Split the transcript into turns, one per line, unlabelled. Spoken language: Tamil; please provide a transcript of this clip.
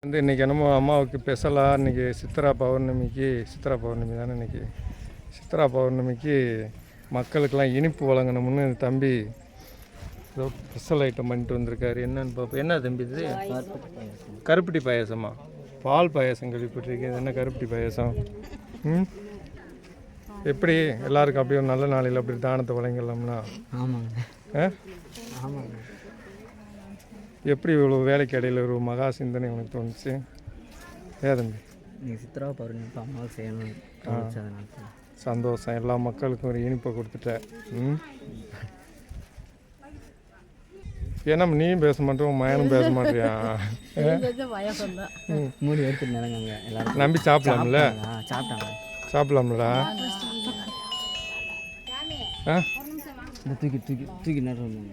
இன்றைக்கி என்னமோ அம்மாவுக்கு ஸ்பெஷலாக இன்றைக்கி சித்ரா பௌர்ணமி தானே இன்றைக்கி. சித்ரா பௌர்ணமிக்கு மக்களுக்கெல்லாம் இனிப்பு வழங்கணும்னு தம்பி ஏதோ ஸ்பெஷல் ஐட்டம் பண்ணிட்டு வந்திருக்காரு. என்னன்னு பார்ப்போம். என்ன தம்பி இது? கருப்பட்டி பாயாசமா? பால் பாயாசம் கேள்விப்பட்டிருக்கேன். என்ன கருப்பட்டி பாயாசம்? எப்படி எல்லாருக்கும் அப்படியே ஒரு நல்ல நாளையில் அப்படி தானத்தை வழங்கலாம்னா?
ஆமாங்க.
ஆமாங்க. எப்படி இவ்வளோ வேலைக்கு இடையில ஒரு மகா சிந்தனை உனக்கு தோணுச்சு? தம்பி
நீங்கள் சித்ரா பௌர்ணமி அம்மாவுக்கு செய்யணும்.
சந்தோஷம். எல்லா மக்களுக்கும் ஒரு இனிப்பை கொடுத்துட்டேன். ஏன்னா நீயும் பேச மாட்டேன், மயனும் பேச மாட்டியா?
மூடி எடுத்துட்டு எல்லாரும்
நம்பி சாப்பிடலாம்ல? சாப்பிடலாம்லடா?
தூக்கி தூக்கி தூக்கி நடுறாங்க.